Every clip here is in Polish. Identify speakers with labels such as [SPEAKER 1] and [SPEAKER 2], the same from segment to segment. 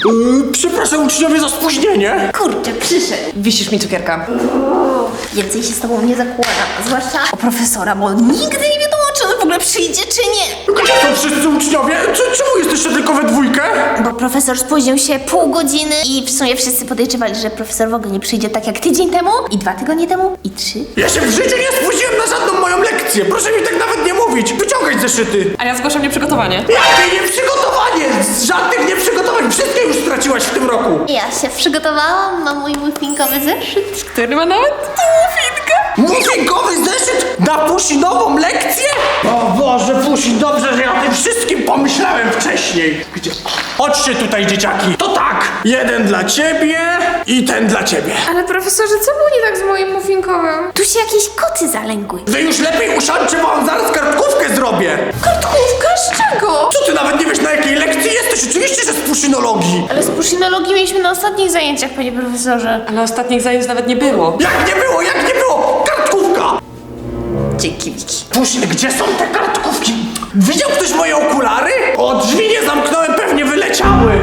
[SPEAKER 1] Przepraszam uczniowie za spóźnienie.
[SPEAKER 2] Kurczę, przyszedł.
[SPEAKER 3] Wisisz mi cukierka.
[SPEAKER 2] Więcej się z tobą nie zakładam, zwłaszcza o profesora, bo nigdy nie wiadomo, czy on w ogóle przyjdzie, czy nie.
[SPEAKER 1] Gdzie są wszyscy uczniowie? Czemu jesteście tylko we dwójkę?
[SPEAKER 2] Bo profesor spóźnił się pół godziny i w sumie wszyscy podejrzewali, że profesor w ogóle nie przyjdzie tak jak tydzień temu, i 2 tygodnie temu, i 3.
[SPEAKER 1] Ja się w życiu nie spóźniłem na żadną moją lekcję. Proszę mi tak nawet nie mówić. Wyciągać zeszyty.
[SPEAKER 3] A ja zgłaszam nieprzygotowanie.
[SPEAKER 1] Jakie nieprzygotowanie? Żadnych nieprzygotowań. Wszystkie już straciłaś w tym roku.
[SPEAKER 2] Ja się przygotowałam, mam mój muffinkowy zeszyt.
[SPEAKER 3] Który ma nawet muffinkę.
[SPEAKER 1] Muffinkowy zeszyt na pusinową lekcję? O Boże, Pusin, dobrze, że ja o tym wszystkim pomyślałem wcześniej. Gdzie? Chodźcie tutaj, dzieciaki. To tak, jeden dla ciebie i ten dla ciebie.
[SPEAKER 4] Ale profesorze, co było nie tak z moim muffinkowym?
[SPEAKER 2] Tu się jakieś koty zalęgły.
[SPEAKER 1] Wy już lepiej usiądźcie, bo wam zaraz kartkówkę zrobię.
[SPEAKER 4] Kartkówka? Z czego?
[SPEAKER 1] Co ty nawet nie wiesz, na jakiej lekcji jesteś? Oczywiście, że z puszynologii.
[SPEAKER 4] Ale z puszynologii mieliśmy na ostatnich zajęciach, panie profesorze.
[SPEAKER 3] Ale ostatnich zajęć nawet nie było.
[SPEAKER 1] Jak nie było, jak nie było? Kartkówka!
[SPEAKER 2] Dzięki, Wiki.
[SPEAKER 1] Pusin, gdzie są te kartkówki? Widział ktoś moje okulary? O, drzwi nie zamknąłem, pewnie wyleciały.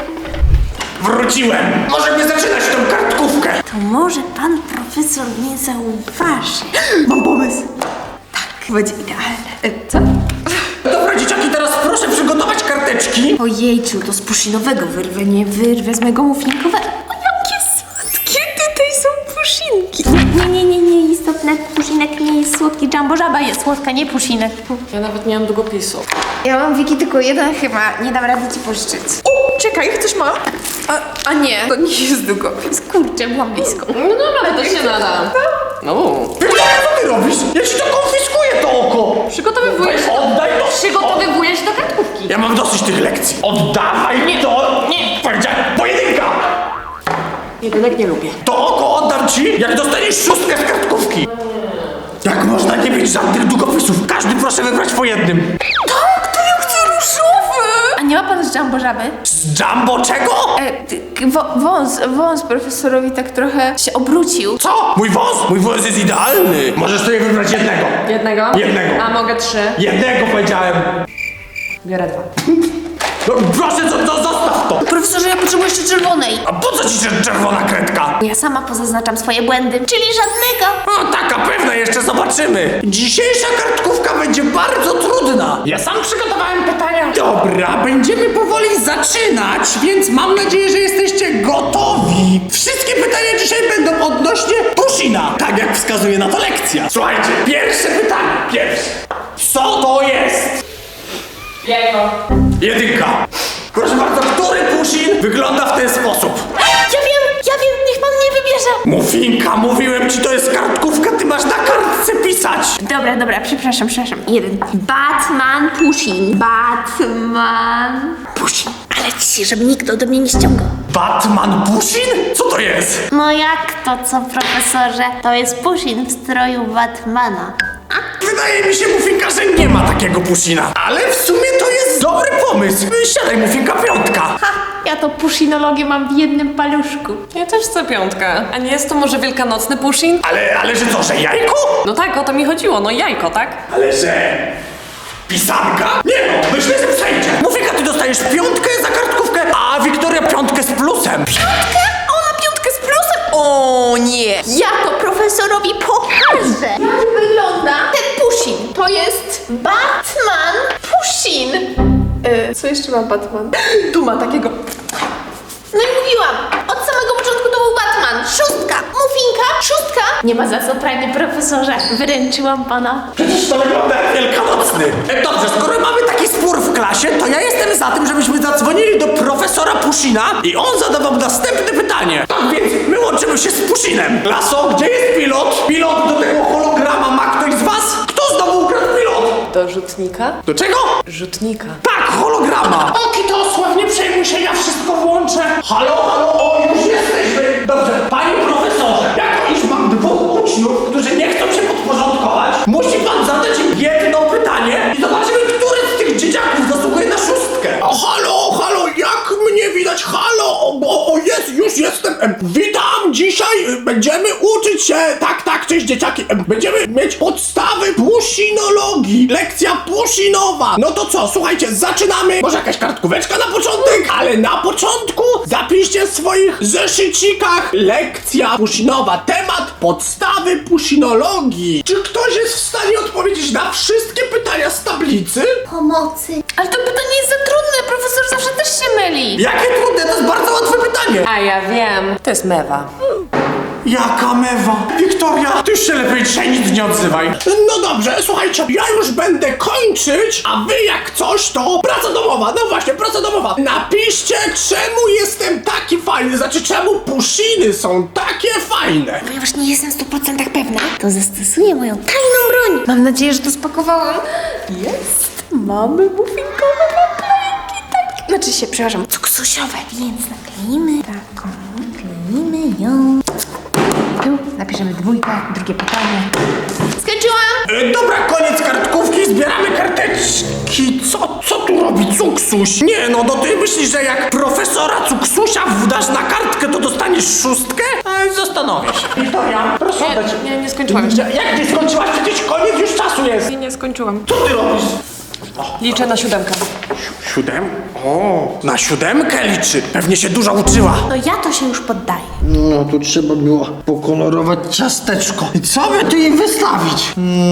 [SPEAKER 1] Wróciłem. Możemy zaczynać tą kartkówkę.
[SPEAKER 2] To może pan profesor nie zauważy. Mam pomysł. Tak, będzie idealne. Co?
[SPEAKER 1] Dobra, dzieciaki, teraz proszę przygotować karteczki.
[SPEAKER 2] Ojejciu, to z puszynowego wyrwę, nie wyrwę z mego muffinkowego. O, jakie słodkie tutaj są puszynki. Nie, istotne, puszinek nie jest słodki. Jumbo żaba jest słodka, nie puszinek.
[SPEAKER 3] Ja nawet nie mam długopisu.
[SPEAKER 4] Ja mam, Wiki, tylko jeden chyba. Nie dam rady ci pożyczyć. Czekaj, ktoś ma? A nie, to nie jest długopis.
[SPEAKER 2] Kurczę, byłam blisko.
[SPEAKER 3] No dobra, to się nada. No.
[SPEAKER 1] Wiktoria, co ty robisz? Ja ci to konfiskuję, to oko.
[SPEAKER 3] Przygotowywuję się.
[SPEAKER 1] Oddaj to.
[SPEAKER 3] Przygotowywuję się do kartkówki.
[SPEAKER 1] Ja mam dosyć tych lekcji. Oddawaj mi to. Nie. Powiedziałem, pojedynka.
[SPEAKER 3] Jedynek nie lubię.
[SPEAKER 1] To oko oddam ci, jak dostaniesz 6 z kartkówki. Jak można nie mieć żadnych długopisów? Każdy proszę wybrać po jednym.
[SPEAKER 4] Tak, to ja chcę różowy! A nie ma pan z Jumbo żaby?
[SPEAKER 1] Z Jumbo czego?
[SPEAKER 4] Wąs profesorowi tak trochę się obrócił.
[SPEAKER 1] Co? Mój wąs? Mój wąs jest idealny. Możesz sobie wybrać jednego.
[SPEAKER 3] Jednego?
[SPEAKER 1] Jednego.
[SPEAKER 3] A mogę 3.
[SPEAKER 1] Jednego powiedziałem.
[SPEAKER 3] Biorę 2.
[SPEAKER 1] No, proszę, zostaw to.
[SPEAKER 2] Profesorze, ja potrzebuję jeszcze czerwonej.
[SPEAKER 1] A po co ci czerwona kredka?
[SPEAKER 2] Ja sama pozaznaczam swoje błędy, czyli żadnego.
[SPEAKER 1] No taka pewna, jeszcze zobaczymy. Dzisiejsza kartkówka będzie bardzo trudna. Ja sam przygotowałem pytania. Dobra, będziemy powoli zaczynać, więc mam nadzieję, że jesteście gotowi. Wszystkie pytania dzisiaj będą odnośnie Pushina, tak jak wskazuje na to lekcja. Słuchajcie, pierwsze pytanie. Co to jest?
[SPEAKER 3] Jajko.
[SPEAKER 1] Jedynka. Proszę bardzo, który Pushin wygląda w ten sposób?
[SPEAKER 2] Ja wiem, niech pan mnie wybierze.
[SPEAKER 1] Muffinka, mówiłem ci, to jest kartkówka, ty masz na kartce pisać.
[SPEAKER 2] Dobra, przepraszam. 1. Batman Pushin. Batman Pushin. Ale ciszę, żeby nikt ode mnie nie ściągał.
[SPEAKER 1] Batman Pushin? Co to jest?
[SPEAKER 2] No jak to co, profesorze? To jest Pushin w stroju Batmana.
[SPEAKER 1] Wydaje mi się, Muffinka, że nie ma takiego Pushina. Ale w sumie to jest dobry pomysł. Siadaj, Muffinka, 5.
[SPEAKER 4] Ja to pushinologię mam w jednym paluszku.
[SPEAKER 3] Ja też chcę 5. A nie jest to może wielkanocny Pushin?
[SPEAKER 1] Ale że to, że jajko?
[SPEAKER 3] No tak, o to mi chodziło. No jajko, tak?
[SPEAKER 1] Ale że... pisanka? Nie no, myślę, że przejdzie. Muffinka, ty dostajesz 5 za kartkówkę, a Wiktoria 5 z plusem.
[SPEAKER 2] Ona 5 z plusem? O nie! Ja to profesorowi pokażę! Jak wygląda ten Pushin?
[SPEAKER 4] To jest
[SPEAKER 2] Batman
[SPEAKER 4] Pushin! Co jeszcze ma Batman? Tu ma takiego...
[SPEAKER 2] No i mówiłam, od samego początku to był Batman. 6. Muffinka, 6. Nie ma za co, panie profesorze. Wyręczyłam pana.
[SPEAKER 1] Przecież to wygląda jak wielkanocny. Dobrze, skoro mamy taki spór w klasie, to ja jestem za tym, żebyśmy zadzwonili do profesora Pushina i on zadawał następne pytanie. Tak więc my łączymy się z Pushinem. Klaso, gdzie jest pilot? Pilot do tego holograma ma ktoś z was? Kto znowu ukradł pilot?
[SPEAKER 3] Do rzutnika?
[SPEAKER 1] Do czego?
[SPEAKER 3] Rzutnika.
[SPEAKER 1] Tak, holograma. O, Kitosław, nie przejmuj się, ja wszystko włączę. Halo, o, już jesteśmy. Dobrze, panie profesorze, jako iż mam 2 uczniów, którzy nie chcą się podporządkować, musi pan zadać im jedno pytanie i zobaczymy, który z tych dzieciaków zasługuje na 6. O, halo, jak mnie widać? Halo, jest, już jestem. Witam, dzisiaj będziemy uczyć się, tak, cześć dzieciaki. Będziemy mieć podstawy pushinologii, lekcja pushinowa. No to co, słuchajcie, zaczynamy. Może jakaś kartkóweczka na początek? Ale na początku oczywiście w swoich zeszycikach lekcja pushinowa, temat podstawy pushinologii. Czy ktoś jest w stanie odpowiedzieć na wszystkie pytania z tablicy?
[SPEAKER 2] Pomocy. Ale to pytanie jest za trudne, profesor zawsze też się myli.
[SPEAKER 1] Jakie trudne, to jest bardzo łatwe pytanie.
[SPEAKER 3] A ja wiem, to jest mewa.
[SPEAKER 1] Jaka mewa? Wiktoria, ty już się lepiej dzisiaj nic nie odzywaj. No dobrze, słuchajcie, ja już będę kończyć, a wy jak coś, to praca domowa. No właśnie, praca domowa. Napiszcie, czemu jestem taki fajny, znaczy czemu pushiny są takie fajne.
[SPEAKER 2] Ponieważ nie jestem w 100% pewna, to zastosuję moją tajną broń. Mam nadzieję, że to spakowałam. Jest! Mamy muffinkowe naklejki, tak. Znaczy się, przepraszam, cuksusiowe. Więc nakleimy taką, nakleimy ją. Tu napiszemy 2, drugie pytanie. Skończyłam!
[SPEAKER 1] Dobra, koniec kartkówki, zbieramy karteczki. Co tu robi Cuksuś? Nie no, ty myślisz, że jak profesora Cuksusia wdasz na kartkę, to dostaniesz 6? Zastanowię się. Wiktoria, proszę oddać.
[SPEAKER 3] Nie skończyłam jeszcze.
[SPEAKER 1] Jak nie skończyłaś? Przecież koniec już czasu jest.
[SPEAKER 3] Nie skończyłam.
[SPEAKER 1] Co ty robisz?
[SPEAKER 3] Liczę na 7.
[SPEAKER 1] 7? O, na 7 liczy. Pewnie się dużo uczyła.
[SPEAKER 2] No ja to się już poddaję.
[SPEAKER 5] No, tu trzeba było pokolorować ciasteczko. I co by tu jej wystawić?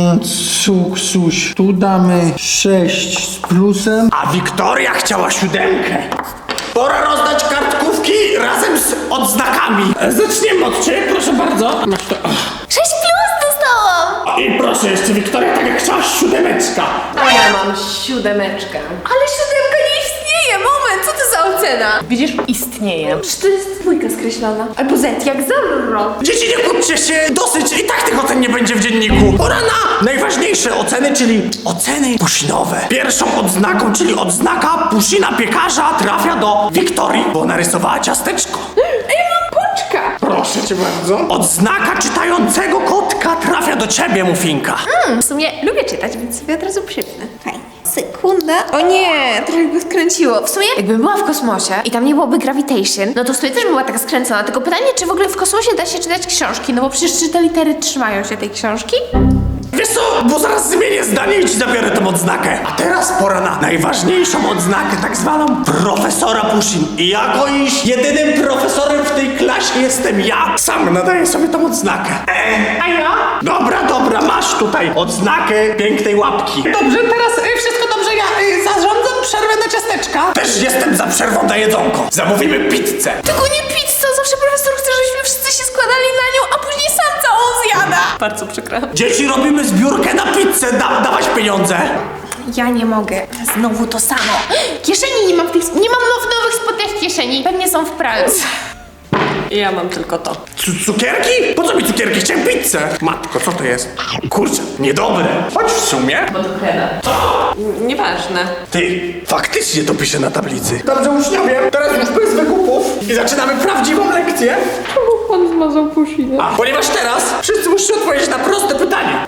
[SPEAKER 5] Cuksuś, tu damy 6 z plusem.
[SPEAKER 1] A Wiktoria chciała 7. Pora rozdać kartkówki razem z odznakami. Zaczniemy od ciebie, proszę bardzo. Masz to.
[SPEAKER 2] 6+ dostałam!
[SPEAKER 1] I proszę jeszcze, Wiktoria, tak jak chciałaś, 7.
[SPEAKER 3] A ja mam 7.
[SPEAKER 2] Ale 7 nie istnieje! Moment, co to za ocena?
[SPEAKER 3] Widzisz? Istnieje.
[SPEAKER 2] Przecież to jest 2 skreślona. Albo Z, jak Zorro.
[SPEAKER 1] Dzieci, nie kłóćcie się, dosyć, i tak tych ocen nie będzie w dzienniku. Pora na najważniejsze oceny, czyli oceny pushinowe. Pierwszą odznaką, czyli odznaka pushina piekarza, trafia do Wiktorii, bo narysowała ciasteczko.
[SPEAKER 2] Koczka!
[SPEAKER 1] Proszę cię bardzo. Odznaka czytającego kotka trafia do ciebie, Muffinka.
[SPEAKER 2] W sumie lubię czytać, więc sobie od razu przypnę. Fajnie. Sekunda. O nie, trochę go skręciło. W sumie, jakbym była w kosmosie i tam nie byłoby gravitation, no to w sumie też była taka skręcona. Tylko pytanie, czy w ogóle w kosmosie da się czytać książki? No bo przecież czy te litery trzymają się tej książki?
[SPEAKER 1] Wiesz co, bo zaraz zmienię zdanie i ci zabiorę tę odznakę. A teraz pora na najważniejszą odznakę, tak zwaną profesora Pushin. I jako iż jedynym profesorem w tej klasie jestem ja, sam nadaję sobie tą odznakę. A ja? Dobra, masz tutaj odznakę pięknej łapki. Dobrze, teraz wszystko dobrze, ja zarządzam przerwę na ciasteczka. Też jestem za przerwą na jedzonko. Zamówimy pizzę.
[SPEAKER 2] Tylko nie pizza, zawsze profesor chce, żebyśmy wszyscy się składali na nią, a później sam całą zjada.
[SPEAKER 3] Bardzo przykro.
[SPEAKER 1] Dzieci, robimy zbiórkę na pizzę, dawać pieniądze.
[SPEAKER 2] Ja nie mogę. Znowu to samo. Kieszeni nie mam w tych... Nie mam nowych spodniach kieszeni. Pewnie są w pralce.
[SPEAKER 3] Ja mam tylko to.
[SPEAKER 1] Cukierki? Po co mi cukierki? Chciałem pizzę. Matko, co to jest? Kurczę, niedobre. Choć w sumie.
[SPEAKER 3] Bo to kreda. Nieważne.
[SPEAKER 1] Ty, faktycznie to pisze na tablicy. Dobrze, uczniowie, teraz już bez wygłupów i zaczynamy prawdziwą lekcję.
[SPEAKER 3] Czemu pan zmazał pusinę?
[SPEAKER 1] A ponieważ teraz wszyscy musicie odpowiedzieć na proste pytanie.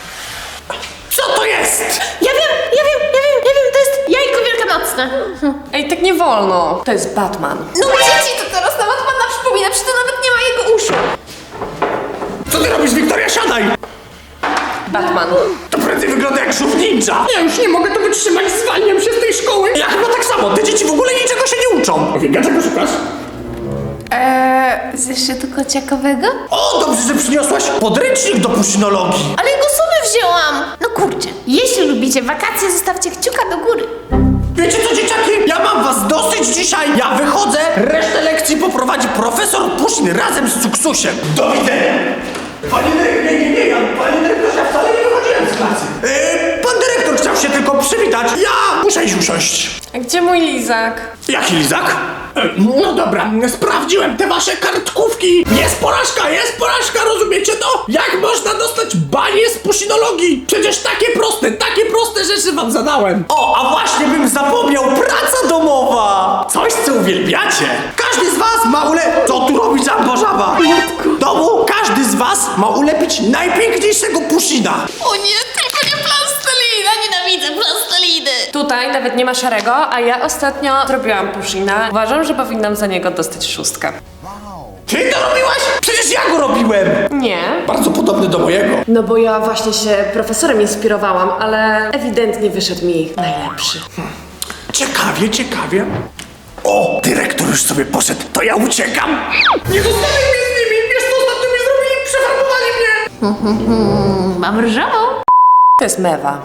[SPEAKER 1] Co to jest?
[SPEAKER 2] Ja wiem, to jest jajko wielkanocne.
[SPEAKER 3] Ej, tak nie wolno. To jest Batman.
[SPEAKER 2] No dzieci, to teraz na Batmana przypomina, przecież to nawet nie ma jego uszu.
[SPEAKER 1] Co ty robisz, Wiktoria? Siadaj!
[SPEAKER 3] Batman.
[SPEAKER 1] To prędzej wygląda jak żółw ninja. Ja już nie mogę to wytrzymać, zwalniam się z tej szkoły. Ja chyba tak samo, te dzieci w ogóle niczego się nie uczą. Wika, czego szukasz?
[SPEAKER 2] Zeszytu kociakowego?
[SPEAKER 1] O, dobrze, że przyniosłaś podręcznik do pushinologii.
[SPEAKER 2] Ale go sobie wzięłam. No kurczę, jeśli lubicie wakacje, zostawcie kciuka do góry.
[SPEAKER 1] Wiecie co, dzieciaki? Ja mam was dosyć dzisiaj. Ja wychodzę, resztę lekcji poprowadzi profesor Pushin razem z Cuksusiem. Do widzenia. Panie dyrektorze, panie dyrektorze, ja wcale nie wychodziłem z klasy. Pan dyrektor chciał się tylko przywitać. Ja muszę iść usiąść.
[SPEAKER 3] A gdzie mój lizak?
[SPEAKER 1] Jaki lizak? No dobra, sprawdziłem te wasze kartkówki. Jest porażka, rozumiecie to? Jak można dostać banie z pushinologii? Przecież takie proste rzeczy wam zadałem. O, a właśnie bym zapomniał, praca domowa. Coś, co uwielbiacie. Każdy z was ma Co tu robi Jumbo Żaba? W domu każdy z was ma ulepić najpiękniejszego pushina.
[SPEAKER 2] O nie, tylko nie plastelina, nienawidzę plasteliny.
[SPEAKER 3] Tutaj nawet nie ma szarego, a ja ostatnio zrobiłam pushina. Uważam, że powinnam za niego dostać 6.
[SPEAKER 1] Ty to robiłaś? Przecież ja go robiłem.
[SPEAKER 3] Nie.
[SPEAKER 1] Bardzo podobny do mojego.
[SPEAKER 3] No bo ja właśnie się profesorem inspirowałam, ale ewidentnie wyszedł mi najlepszy.
[SPEAKER 1] Ciekawie. O, dyrektor już sobie poszedł, to ja uciekam. Nie zostawię mnie z nimi, wiesz co ostatnio mi zrobili? Przefarbowali mnie.
[SPEAKER 2] Mam różową.
[SPEAKER 3] To jest mewa.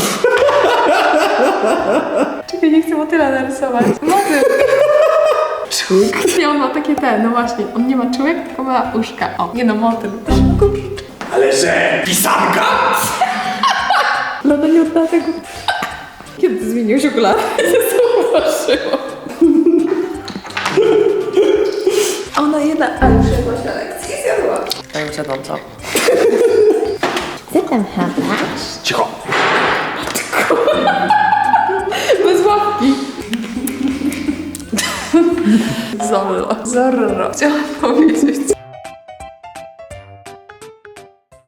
[SPEAKER 4] Czekaj, nie chcę motyla narysować. Motyl. Nie, on ma takie no właśnie. On nie ma czułek, tylko ma uszka. O, nie no, motyl.
[SPEAKER 1] Ale że pisanka?
[SPEAKER 4] Lada nie odda tego. Kiedy zmieniłeś okulary? Zauważyłam. Ona jedna, ale przyszła na lekcji i zjadła.
[SPEAKER 3] Ja już jadłam, co?
[SPEAKER 2] Co tam chowasz?
[SPEAKER 1] Cicho.
[SPEAKER 4] Bez łapki. Zorro. Chciałam powiedzieć.